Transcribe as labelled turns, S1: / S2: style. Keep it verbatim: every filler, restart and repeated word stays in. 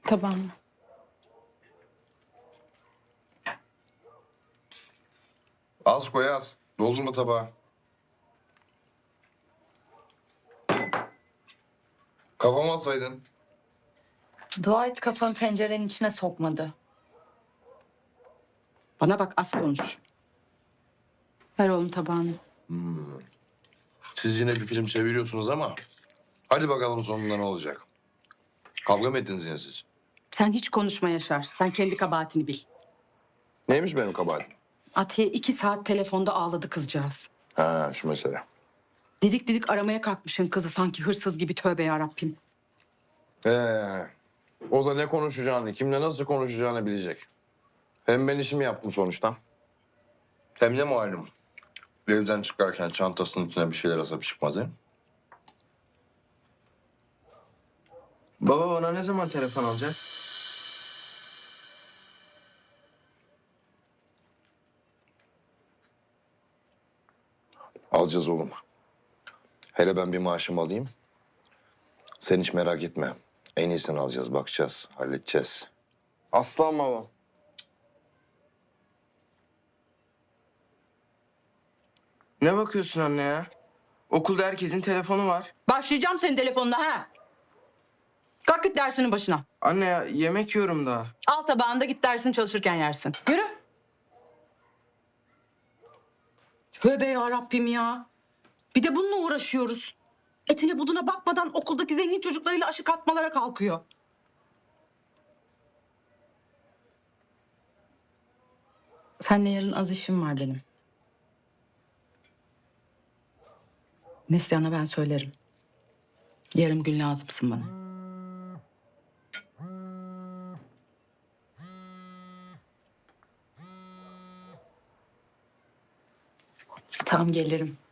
S1: Tabağına.
S2: Az koy az. Doldurma tabağı. Kafama alsaydın.
S3: Dua et kafanı tencerenin içine sokmadı.
S1: Bana bak, az konuş. Ver oğlum tabağını.
S2: Siz yine bir film çeviriyorsunuz ama... Hadi bakalım sonunda ne olacak? Kavga mı ettiniz yine siz?
S1: Sen hiç konuşma Yaşar. Sen kendi kabahatini bil.
S2: Neymiş benim kabahatim?
S1: Atiye iki saat telefonda ağladı kızcağız.
S2: Ha şu mesele.
S1: Didik didik aramaya kalkmışsın kızı sanki hırsız gibi, tövbe yarabbim.
S2: Ee, o da ne konuşacağını, kimle nasıl konuşacağını bilecek. Hem ben işimi yaptım sonuçta. Hem ne malum. Evden çıkarken çantasının içine bir şeyler asıp çıkmadı.
S4: Baba bana ne zaman telefon alacağız?
S2: Alacağız oğlum. Hele ben bir maaşımı alayım. Sen hiç merak etme. En iyisini alacağız, bakacağız, halledeceğiz.
S4: Aslan baba. Ne bakıyorsun anne ya? Okulda herkesin telefonu var.
S1: Başlayacağım senin telefonuna ha. Kalk git dersinin başına.
S4: Anne ya yemek yiyorum daha.
S1: Al tabağında, git dersini çalışırken yersin. Yürü. Tövbe yarabbim ya. Bir de bununla uğraşıyoruz. Etine buduna bakmadan okuldaki zengin çocuklarıyla aşık atmalara kalkıyor. Seninle yarın az işim var benim. Neslihan'a ben söylerim. Yarım gün lazımsın bana. Tamam, gelirim.